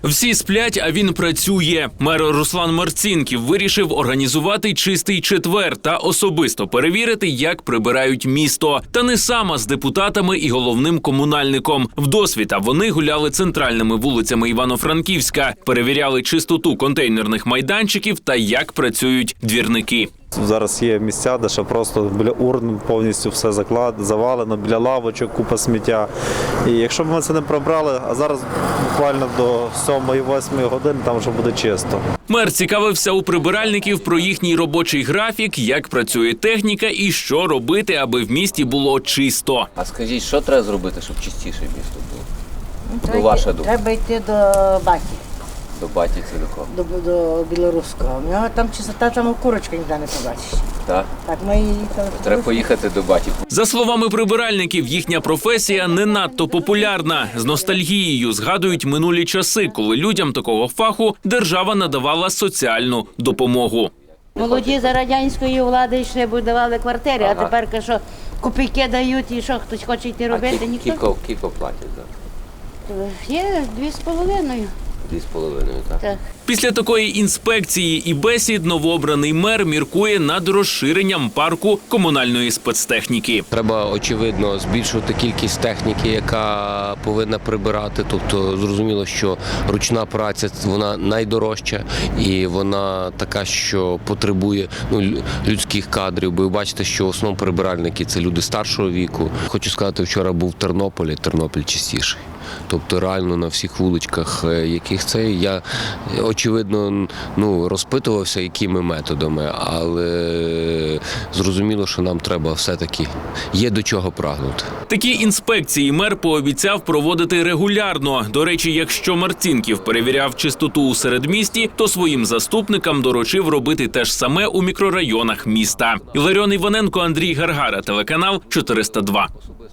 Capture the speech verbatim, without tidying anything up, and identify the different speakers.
Speaker 1: Всі сплять, а він працює. Мер Руслан Марцінків вирішив організувати чистий четвер та особисто перевірити, як прибирають місто. Та не сам, а з депутатами і головним комунальником. Вдосвіта вони гуляли центральними вулицями Івано-Франківська, перевіряли чистоту контейнерних майданчиків та як працюють двірники.
Speaker 2: Зараз є місця, де ще просто біля урн повністю все заклад, завалено, біля лавочок купа сміття. І якщо б ми це не прибрали, а зараз буквально до сьомої-восьмої години там вже буде чисто.
Speaker 1: Мер цікавився у прибиральників про їхній робочий графік, як працює техніка і що робити, аби в місті було чисто.
Speaker 3: А скажіть, що треба зробити, щоб чистіше місто було?
Speaker 4: Ну,
Speaker 3: Ну, ваша думка.
Speaker 4: Треба йти до баті,
Speaker 3: До баті це до кого?
Speaker 4: до, до білоруського. У нього там чистота, там курочка ніде не побачиш.
Speaker 3: Так?
Speaker 4: Так ми їхали.
Speaker 3: Треба поїхати до баті.
Speaker 1: За словами прибиральників, їхня професія не надто популярна. З ностальгією згадують минулі часи, коли людям такого фаху держава надавала соціальну допомогу.
Speaker 5: Молоді за радянської влади йшли, будували квартири,
Speaker 3: Ага.
Speaker 5: а тепер що копійки дають і що, хтось хоче йти робити,
Speaker 3: А
Speaker 5: ніхто.
Speaker 3: кілько, кілько платять, так?
Speaker 5: Є дві з половиною.
Speaker 3: Дві з половиною, так?
Speaker 5: Так.
Speaker 1: Після такої інспекції і бесід новообраний мер міркує над розширенням парку комунальної спецтехніки.
Speaker 6: Треба, очевидно, збільшувати кількість техніки, яка повинна прибирати. Тобто, зрозуміло, що ручна праця – вона найдорожча і вона така, що потребує ну, лю- людських кадрів. Бо ви бачите, що в основному прибиральники – це люди старшого віку. Хочу сказати, вчора був в Тернополі, Тернопіль чистіший. Тобто реально на всіх вуличках, е, яких це, я, е, очевидно, ну, розпитувався, якими методами, але зрозуміло, що нам треба все-таки, є до чого прагнути.
Speaker 1: Такі інспекції мер пообіцяв проводити регулярно. До речі, якщо Марцінків перевіряв чистоту у середмісті, то своїм заступникам доручив робити те ж саме у мікрорайонах міста. Іларіон Іваненко, Андрій Гаргара, телеканал чотириста два.